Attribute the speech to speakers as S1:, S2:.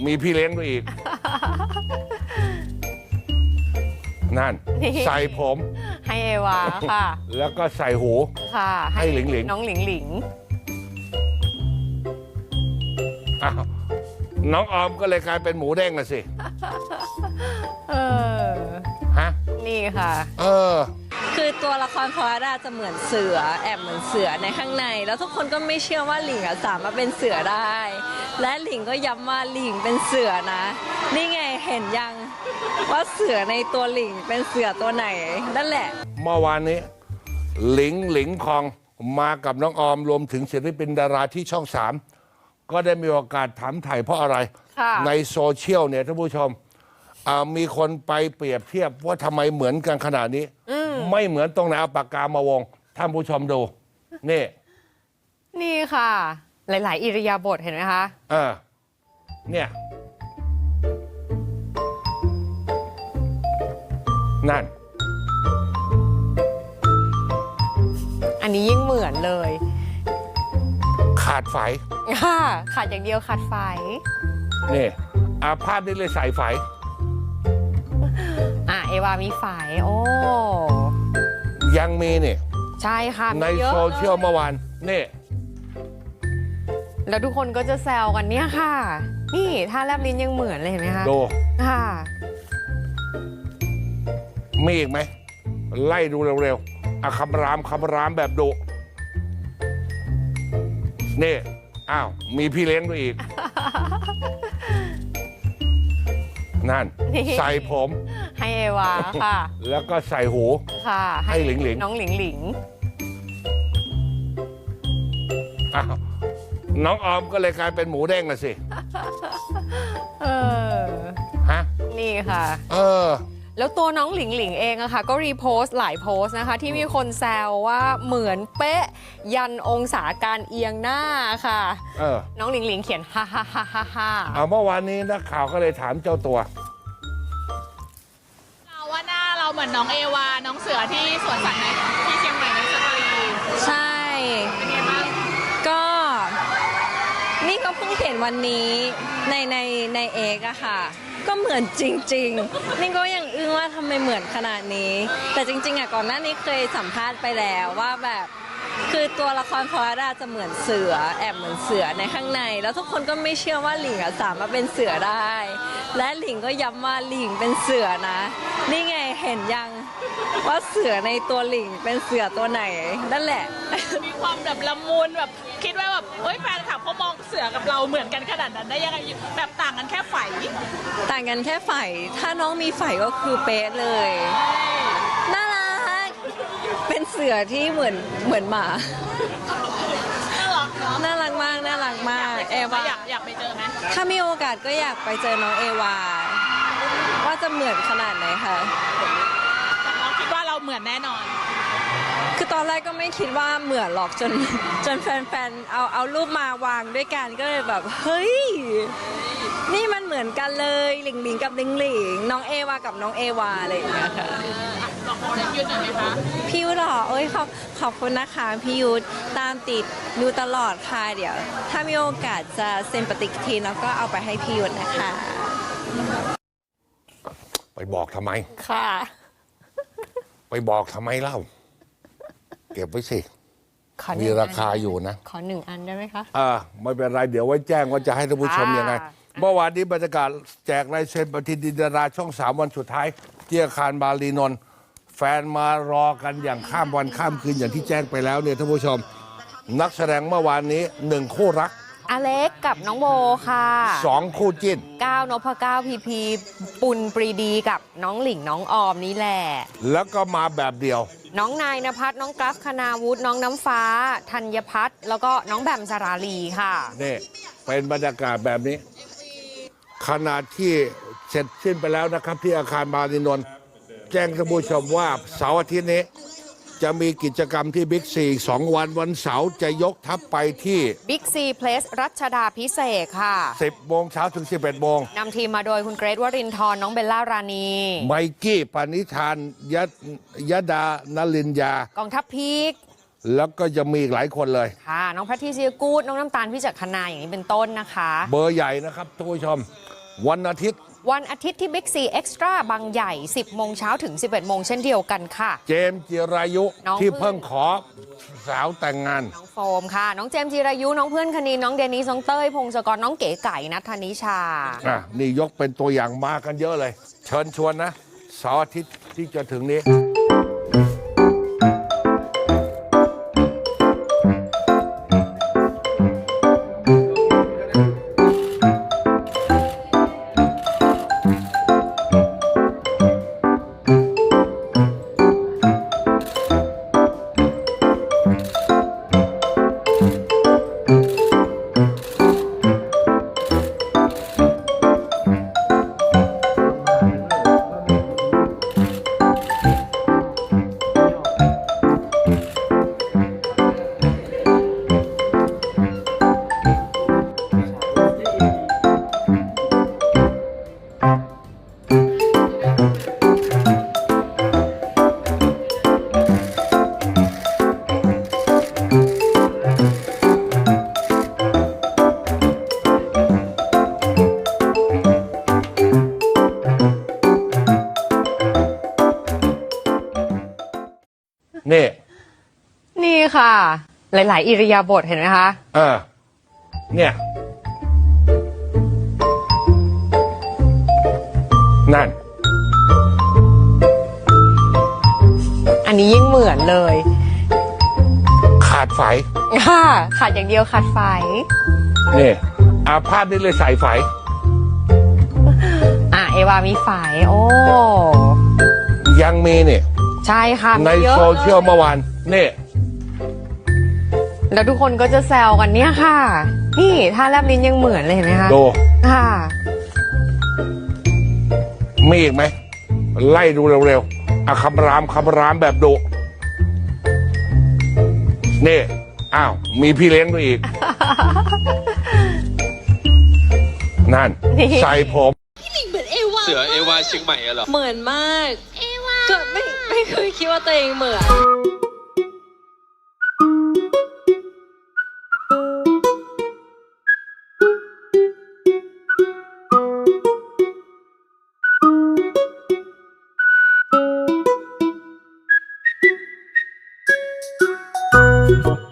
S1: มีพี่เลี้ยงด้วยอีก นั่น ใส่ผม
S2: ให้เอวาค่ะ
S1: แล้วก็ใส่หู
S2: ค่ะ
S1: ให้หลิงหลิง
S2: น้องหลิงหลิง
S1: อ้าวน้องออมก็เลยกลายเป็นหมูเด้งน่ะสิ
S2: เออ
S1: ฮะ
S2: นี่ค่ะ
S1: เออ
S3: คือตัวละครพอราจะเหมือนเสือแอบเหมือนเสือในข้างใน แล้วทุกคนก็ไม่เชื่อว่าหลิงสามารถเป็นเสือได้ และหลิงก็ย้ำว่าหลิงเป็นเสือนะ นี่ไงเห็นยังว่าเสือในตัวหลิงเป็นเสือตัวไหนนั่นแหละ
S1: เมื่อวานนี้หลิงคองมากับน้องออมรวมถึงศิลปินดาราที่ช่อง 3 ก็ได้มีโอกาสถามไถ่เพราะอะไร
S2: ค่ะ
S1: ในโซเชียลเนี่ยท่านผู้ชมมีคนไปเปรียบเทียบว่าทำไมเหมือนกันขนาดนี้ ไม่เหมือนตรงไหนเอาปากกามาวงท่านผู้ชมดู นี่
S2: นี่ค่ะ หลาย ๆ อิริยาบถเห็นไหมคะ
S1: เนี่ย นั่น
S2: อันนี้ยิ่งเหมือนเลย
S1: ขาดไฟ
S2: ค่ะขาดอย่างเดียวขาดไฟ
S1: นี่ภาพนี้เลยใส่ไฟ
S2: เอวามีไฟโอ้
S1: ยังมีนี่
S2: ใช่ค่ะมี
S1: ใน
S2: เยอะ
S1: โซเชียลเมื่อวานนี่
S2: แล้วทุกคนก็จะแซวกันเนี่ยค่ะ นี่ท่าแลบลิ้นยังเหมือนเลยเห็นไหมคะ
S1: ดู
S2: ค่ะ
S1: มีอีกไหม ไล่ดูเร็วๆคำรามแบบดุนี่ อ้าว มีพี่เลี้ยงด้วยอีก นั่น ใส่ผม
S2: ให้เอวาค่ะ
S1: แล้วก็ใส่หู
S2: ค่ะ
S1: ให้หลิงหลิง
S2: น้องหลิงหลิง
S1: อ้าวน้องออมก็เลยกลายเป็นหมูเด้งน่ะสิ
S2: เออ
S1: ฮะ
S2: นี่ค่ะ
S1: เออ
S2: แล้วตัวน้องหลิงหลิงเองอะค่ะก็รีโพสต์หลายโพสต์นะคะ ที่มีคนแซวว่าเหมือนเป๊ะยันองศาการเอียงหน้าค่ะ น้องหลิงหลิงเขียนฮ่าฮ่าฮ่าฮ่าฮ่า
S1: เมื่อวานนี้นักข่าวก็เลยถามเจ้าตัว
S4: เราว่าหน้าเราเหมือนน้องเอวา น้องเสือที่สวนสัตว์ในที่เชียงใหม่ในสตรี
S3: ใช่
S4: เป็นไงบ้าง
S3: ก็นี่ก็เพิ่งเห็นวันนี้ในเอกอะค่ะ ก็เหมือนจริงๆนี่ก็ยังอึ้งว่าทำไมเหมือนขนาดนี้ แต่จริงๆอะก่อนหน้านี้เคยสัมภาษณ์ไปแล้วว่าแบบคือตัวละครพอราจะเหมือนเสือแอบเหมือนเสือในข้างใน แล้วทุกคนก็ไม่เชื่อว่าหลิงสามารถเป็นเสือได้ และหลิงก็ย้ำว่าหลิงเป็นเสือนะ นี่ไงเห็นยังว่าเสือในตัวหลิงเป็นเสือตัวไหนนั่นแหละ
S4: มีความแบบละมุนแบบคิดว่าแบบเฮ้ยแฟนคลับเขามองเสือกับเราเหมือนกันขนาดนั้นได้ยังไงแบบต่างกันแค่ไฝ
S3: ต่างกันแค่ไฝถ้าน้องมีไฝก็คือเป๊ะเลย น่ารัก เป็นเสือที่เหมือนหมา
S4: น่ารักเนาะ
S3: น่ารักมาก น่ารักมาก เอวา
S4: อยากไปเจอไหม
S3: ถ้ามีโอกาสก็อยากไปเจอน้องเอวา ว่าจะเหมือนขนาดไหนคะ
S4: น้องคิดว่าเราเหมือนแน่นอน
S3: คือตอนแรกก็ไม่คิดว่าเหมือนหรอกจนแฟนๆเอารูปมาวางด้วยกันก็เลยแบบเฮ้ยนี่มันเหมือนกันเลยหลิงหลิงกับหลิงหลิงน้องเอวากับน้องเอวาอะไรอย่างเงี้ยค่ะ
S4: ลองโพสต์ยืดหน่อยไหมคะ
S3: พี่ยุทธเหรอเอ้ยขอบคุณนะคะพี่ยุทธตามติดดูตลอดค่ะเดี๋ยว ถ้ามีโอกาสจะเซ็นปฏิทินแล้วก็เอาไปให้พี่ยุทธนะคะ
S1: ไปบอกทำไม
S2: ค่ะ
S1: ไปบอกทำไมเล่า เก็บไว้สิ
S2: ขอห
S1: มี
S2: นึ่ง
S1: ราคาอยู่นะ
S2: ขอหนึ่งอันได้ไหมคะ
S1: ไม่เป็นไรเดี๋ยวไว้แจ้งว่าจะให้ท่านผู้ชมยังไง เมื่อวานนี้บรรยากาศแจกลายเซ็นปฏิทินดาราช่อง 3 วันสุดท้ายที่อาคารบาลีนนท์แฟนมารอกันอย่างข้ามวันข้ามคืนอย่างที่แจ้งไปแล้วเนี่ยท่านผู้ชม นักแสดงเมื่อวานนี้1คู่รัก
S2: อเล็กกับน้องโบค่ะ
S1: 2 คู่จิ้น
S2: ก้าวนพก้าวพีพีปุณปรีดีกับน้องหลิงน้องออมนี่แหละ
S1: แล้วก็มาแบบเดียว
S2: น้องนายนภัสน้องกราฟคณาวุฒิน้องน้ำฟ้าธัญพัฒน์แล้วก็น้องแบมสราลีค่ะ
S1: นี่เป็นบรรยากาศแบบนี้ ขณะที่เสร็จสิ้นไปแล้วนะครับ ที่อาคารบาลีนนท์แจ้งท่านผู้ชมว่าเสาร์อาทิตย์นี้ จะมีกิจกรรมที่บิ๊กซี2 วันเสาร์จะยกทัพไปที่
S2: บิ๊กซีเพลสรัชดาพิเศษกค่ะ
S1: 10 โมงเช้าถึง 11 โมง
S2: นำทีมมาโดยคุณเกรทวรินทร์น้องเบลล่ารานี
S1: ไมกี้ปณิธานยดานลินยา
S2: กองทัพพีก
S1: แล้วก็จะมีอีกหลายคนเลย
S2: ค่ะ น้องแพทริเซียกูดน้องน้ำตาลพิจักขณาอย่างนี้เป็นต้นนะคะ
S1: เบอร์ใหญ่นะครับท่านผู้ชมวันอาทิตย์
S2: วันอาทิตย์ที่บิ๊กซีเอ็กซ์ตร้าบางใหญ่ 10 โมงเช้าถึง 11 โมงเช่นเดียวกันค่ะ
S1: เจมส์จิรายุ
S2: น้อง
S1: ที่เพิ่งขอสาวแต่งงาน
S2: น้องโฟมค่ะ น้องเจมส์จิรายุ น้องเพื่อนคณินน้องเดนิสน้องเต้ยพงศกรน้องเก๋ไก่นัทธนิชา
S1: นี่ยกเป็นตัวอย่างมากันเยอะเลย เชิญชวนนะเสาร์อาทิตย์ที่จะถึงนี้ นี่
S2: นี่ค่ะ หลาย ๆ อิริยาบถเห็นไหมคะ
S1: เนี่ย นั่น
S2: อันนี้ยิ่งเหมือนเลย
S1: ขาดไฟ
S2: ค่ะขาดอย่างเดียวขาดไฟ
S1: นี่ภาพนี้เลยใส่ไฟ
S2: เอวามีไฟโอ้
S1: ยังมีนี่
S2: ใช่ค่ะ
S1: ใน
S2: มีเยอะ
S1: โซเชียลเมื่อวาน นี่
S2: แล้วทุกคนก็จะแซวกันเนี่ยค่ะ นี่ท่าแลบลิ้นยังเหมือนเลยเห็นไหมคะ
S1: ดู
S2: ค่ะ
S1: มีอีกไหม ไล่ดูเร็วๆคำรามแบบดุ นี่ อ้าว มีพี่เลี้ยงด้วยอีก นั่น ใส่ผม
S5: เสือเอวาเชียงใหม่อะเหรอ
S3: เหมือนมาก ก็ไม่เคยคิดว่าตัวเองเหมือน
S6: Thank you.